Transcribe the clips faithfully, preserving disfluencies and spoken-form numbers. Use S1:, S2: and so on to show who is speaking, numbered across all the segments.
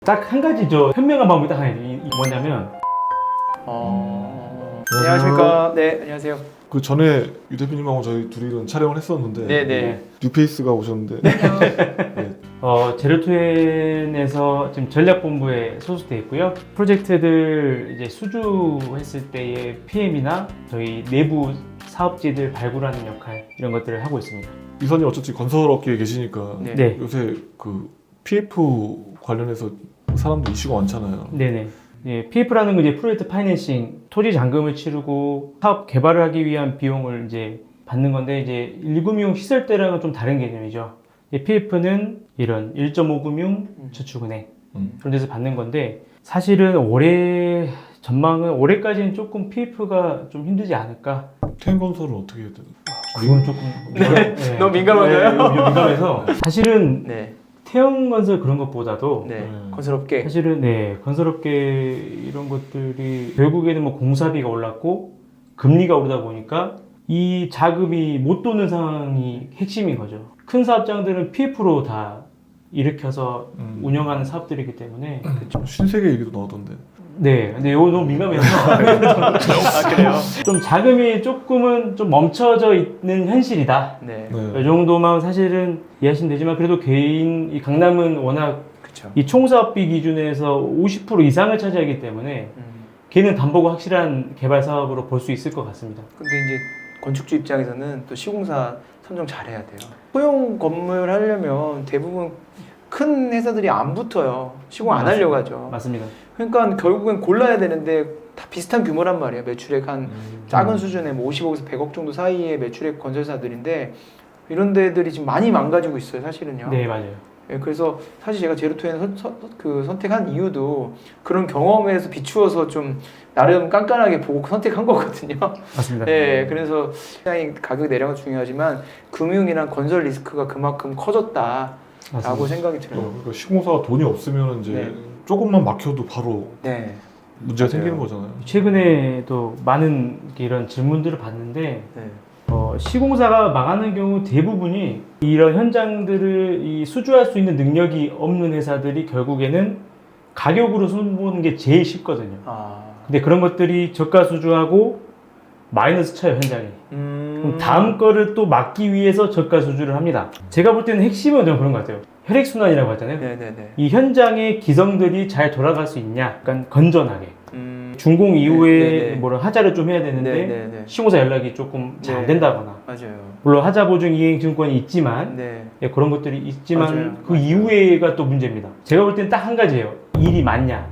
S1: 딱 한 가지 저 현명한 방법이 딱 하나 있- 뭐냐면
S2: 어...
S3: 안녕하세요.
S2: 안녕하십니까. 네, 안녕하세요.
S3: 그 전에 유 대표님하고 저희 둘이는 촬영을 했었는데
S2: 네네.
S3: 뉴페이스가 오셨는데 네.
S1: 어, 제로투엔에서 지금 전략본부에 소속돼 있고요. 프로젝트들 이제 수주했을 때의 피엠이나 저희 내부 사업지들 발굴하는 역할 이런 것들을 하고 있습니다.
S3: 이선이 어차피 건설업계에 계시니까
S2: 네.
S1: 네,
S3: 요새 그 피에프 관련해서 사람들 이슈가 많잖아요.
S1: 네네. 예, 피에프라는 건 이제 프로젝트 파이낸싱, 토지 잔금을 치르고 사업 개발을 하기 위한 비용을 이제 받는 건데 이제 일 금융 시설대랑은 좀 다른 개념이죠. 피에프는 이런 일 점 오 금융 저축은행
S3: 음.
S1: 그런 데서 받는 건데 사실은 올해 전망은 올해까지는 조금 피에프가 좀 힘들지 않을까.
S3: 태행건설은 어떻게 해야 되나?
S1: 그건 조금
S2: 네.
S1: 네.
S2: 너무 민감한가요?
S1: 네, 좀 민감해서 사실은
S2: 네.
S1: 태형건설 그런 것보다도
S2: 네.
S3: 네.
S2: 건설업계.
S1: 사실은 네 건설업계 이런 것들이 결국에는 뭐 공사비가 올랐고 금리가 오르다 보니까 이 자금이 못 도는 상황이 핵심인 거죠. 큰 사업장들은 피에프로 다 일으켜서
S3: 음.
S1: 운영하는 사업들이기 때문에
S3: 신세계 얘기도 나오던데.
S1: 네 근데 이거 너무 민감해서
S2: 아, 그래요?
S1: 좀 자금이 조금은 좀 멈춰져 있는 현실이다.
S2: 네.
S3: 네.
S1: 이 정도만 사실은 이해하시면 되지만 그래도 개인 이 강남은 워낙
S2: 그쵸.
S1: 이 총사업비 기준에서 오십 퍼센트 이상을 차지하기 때문에
S2: 음.
S1: 걔는 담보고 확실한 개발 사업으로 볼 수 있을 것 같습니다.
S2: 근데 이제 건축주 입장에서는 또 시공사 선정 잘해야 돼요. 소형 건물 하려면 대부분 큰 회사들이 안 붙어요. 시공 안 하려고 하죠.
S1: 맞습니다.
S2: 그러니까 결국엔 골라야 되는데 다 비슷한 규모란 말이에요. 매출액 한
S3: 음.
S2: 작은 수준의 뭐 오십억에서 백억 정도 사이의 매출액 건설사들인데 이런 데들이 지금 많이 망가지고 있어요. 사실은요.
S1: 네 맞아요.
S2: 예, 그래서 사실 제가 제로투엔 선, 선, 그 선택한 이유도 그런 경험에서 비추어서 좀 나름 깐깐하게 보고 선택한 거거든요.
S1: 맞습니다.
S2: 예, 그래서 시장이 가격 내려가 중요하지만 금융이랑 건설 리스크가 그만큼 커졌다라고
S1: 맞습니다.
S2: 생각이
S3: 어,
S2: 들어요.
S3: 그러니까 시공사가 돈이 없으면 이제
S2: 네.
S3: 조금만 막혀도 바로
S2: 네,
S3: 문제가
S2: 맞아요.
S3: 생기는 거잖아요.
S1: 최근에도 많은 이런 질문들을 봤는데
S2: 네,
S1: 어, 시공사가 망하는 경우 대부분이 이런 현장들을 이 수주할 수 있는 능력이 없는 회사들이 결국에는 가격으로 손보는 게 제일 쉽거든요.
S2: 아,
S1: 근데 그런 것들이 저가 수주하고 마이너스 쳐요 현장에.
S2: 음,
S1: 그럼 다음 거를 또 막기 위해서 저가 수주를 합니다. 제가 볼 때는 핵심은 좀 그런 것 같아요. 혈액순환이라고 하잖아요.
S2: 네, 네, 네.
S1: 이 현장의 기성들이 잘 돌아갈 수 있냐, 약간 건전하게.
S2: 음,
S1: 준공 이후에
S2: 네, 네, 네.
S1: 뭐라 하자를 좀 해야 되는데
S2: 네, 네, 네.
S1: 시공사 연락이 조금 잘 안
S2: 네.
S1: 된다거나
S2: 맞아요.
S1: 물론 하자 보증 이행 증권이 있지만
S2: 네,
S1: 예, 그런 것들이 있지만
S2: 맞아요.
S1: 그
S2: 맞아요.
S1: 이후에가 또 문제입니다. 제가 볼 때는 딱 한 가지예요. 일이 많냐.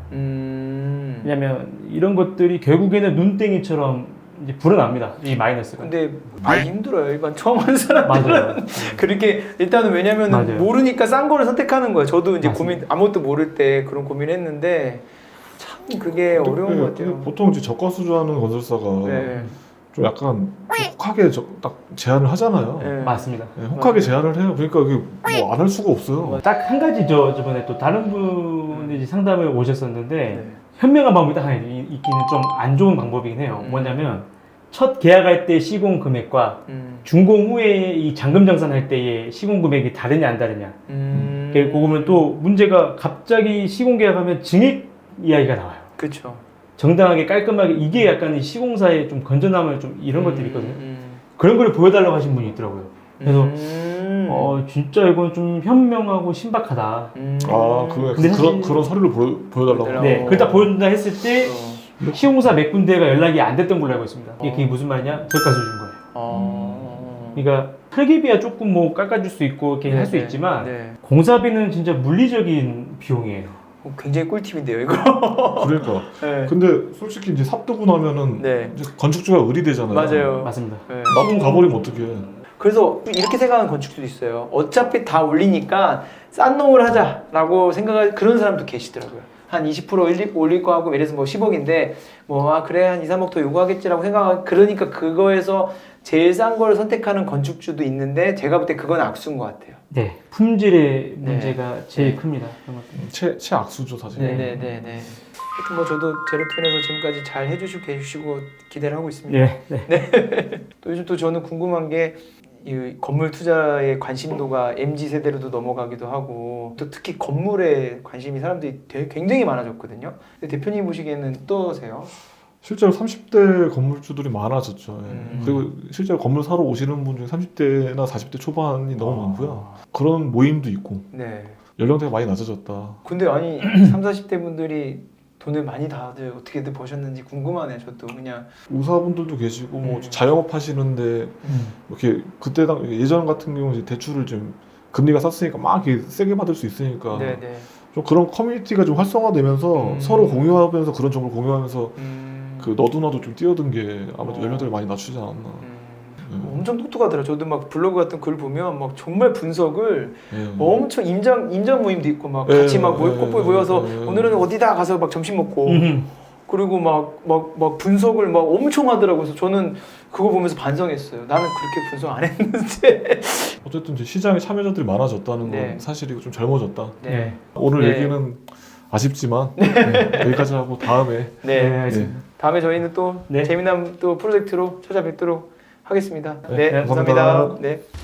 S2: 음.
S1: 왜냐면 이런 것들이 결국에는 눈땡이처럼 이제 불어납니다. 이 마이너스가.
S2: 근데 많이 힘들어요. 일반 처음 하는 사람들은.
S1: 맞아요.
S2: 그렇게 일단은 왜냐면
S1: 맞아요.
S2: 모르니까 싼 거를 선택하는 거예요. 저도 이제
S1: 맞습니다.
S2: 고민 아무것도 모를 때 그런 고민했는데 참 그게 어려운
S3: 네,
S2: 것 같아요.
S3: 근데 보통 이제 저가 수주하는 건설사가
S2: 네.
S3: 좀 약간 혹하게 저, 딱 제안을 하잖아요.
S2: 네.
S1: 맞습니다.
S3: 네, 혹하게 제안을 해요. 그러니까 그게 뭐 안 할 수가 없어요.
S1: 딱 한 가지 저 저번에 또 다른 분이 이제 상담을 오셨었는데
S2: 네.
S1: 현명한 방법이 딱 하나 있- 있기는 좀 안 좋은 방법이긴 해요.
S2: 음.
S1: 뭐냐면 첫 계약할 때 시공 금액과
S2: 음.
S1: 준공 후에 이 잔금 정산할 때의 시공 금액이 다르냐 안 다르냐.
S2: 음.
S1: 그 그거면 또 문제가 갑자기 시공 계약하면 증액 이야기가 나와요.
S2: 그렇죠.
S1: 정당하게 깔끔하게 이게 약간 이 시공사의 좀 건전함을 좀 이런 것들이 있거든요.
S2: 음.
S1: 그런 걸 보여달라고 하신 분이 있더라고요. 그래서
S2: 음.
S1: 어 진짜 이건 좀 현명하고 신박하다.
S2: 음.
S3: 아, 그,
S1: 근데
S3: 그,
S1: 사실-
S3: 그런, 그런 서류를 보여, 보여달라고.
S2: 보여달라고.
S1: 네, 그걸 딱 보여준다 했을 때
S2: 어.
S1: 시공사 몇 군데가 연락이 안 됐던 걸로 알고 있습니다. 이게 그게
S2: 어.
S1: 무슨 말이냐? 저가 수준 거예요.
S2: 어.
S1: 그러니까 설계비야 조금 뭐 깎아줄 수 있고 이렇게 할 수
S2: 네,
S1: 있지만
S2: 네.
S1: 공사비는 진짜 물리적인 비용이에요.
S2: 어, 굉장히 꿀팁인데요, 이거.
S3: 그러니까.
S2: 네.
S3: 근데 솔직히 이제 삽두고 나면은
S2: 네.
S3: 이제 건축주가 의리되잖아요.
S2: 맞아요.
S1: 맞습니다.
S2: 네.
S3: 나쁜 가버리면 어떡해.
S2: 그래서 이렇게 생각하는 건축주도 있어요. 어차피 다 올리니까 싼 놈을 하자라고 생각할 그런 사람도 계시더라고요. 한 이십 퍼센트 올릴, 올릴 거 하고 예를 들어서 뭐 십억인데 뭐 아 그래 한 이, 삼억 더 요구하겠지라고 생각하 그러니까 그거에서 제일 싼 걸 선택하는 건축주도 있는데 제가 볼 때 그건 악수인 것 같아요.
S1: 네, 품질의
S2: 네.
S1: 문제가 제일
S2: 네.
S1: 큽니다. 그런 것들.
S3: 최, 최악수죠, 사실.
S1: 네.
S2: 네네네. 하여튼 뭐 저도 제로투엔에서 지금까지 잘 해주시고 계시고 기대를 하고 있습니다.
S1: 예, 네.
S2: 또 요즘 또 저는 궁금한 게 이 건물 투자의 관심도가 엠지 세대로도 넘어가기도 하고 또 특히 건물에 관심이 사람들이 되게 굉장히 많아졌거든요. 근데 대표님 보시기에는 어떠세요?
S3: 실제로 삼십 대 건물주들이 많아졌죠. 예.
S2: 음.
S3: 그리고 실제로 건물 사러 오시는 분 중에 삼십 대나 사십 대 초반이 너무
S2: 아.
S3: 많고요. 그런 모임도 있고
S2: 네.
S3: 연령대가 많이 낮아졌다.
S2: 근데 아니 삼, 사십 대 분들이 돈을 많이 다들 어떻게들 버셨는지 궁금하네요. 저도 그냥
S3: 우사분들도 계시고 뭐
S2: 음.
S3: 자영업 하시는데
S1: 음.
S3: 이렇게 그때 당 예전 같은 경우 이제 대출을 좀 금리가 쌌으니까 막 이렇게 세게 받을 수 있으니까
S2: 네네.
S3: 좀 그런 커뮤니티가 좀 활성화되면서
S2: 음.
S3: 서로 공유하면서 그런 정보를 공유하면서
S2: 음.
S3: 그 너도 나도 좀 뛰어든 게 아무래도
S2: 어.
S3: 연령대를 많이 낮추지 않았나.
S2: 음.
S3: 네.
S2: 엄청 똑똑하더라. 저도 막 블로그 같은 글 보면 막 정말 분석을
S3: 예.
S2: 엄청 임장 임장 모임도 있고 막
S3: 예,
S2: 같이 막 모여
S3: 예,
S2: 꼬꼬 모여서
S3: 예.
S2: 오늘은 어디다 가서 막 점심 먹고
S1: 음.
S2: 그리고 막 막 막 분석을 막 엄청 하더라고요. 그래서 저는 그거 보면서 반성했어요. 나는 그렇게 분석 안 했는데.
S3: 어쨌든 이제 시장에 참여자들이 많아졌다는
S2: 네.
S3: 건 사실이고 좀 젊어졌다.
S1: 네.
S3: 오늘
S2: 네.
S3: 얘기는 아쉽지만 네, 여기까지 하고 다음에
S2: 네.
S1: 네, 알겠습니다.
S2: 다음에 저희는 또
S1: 네.
S2: 재미난 또 프로젝트로 찾아뵙도록 하겠습니다.
S3: 네,
S2: 네,
S3: 감사합니다.
S2: 감사합니다. 네.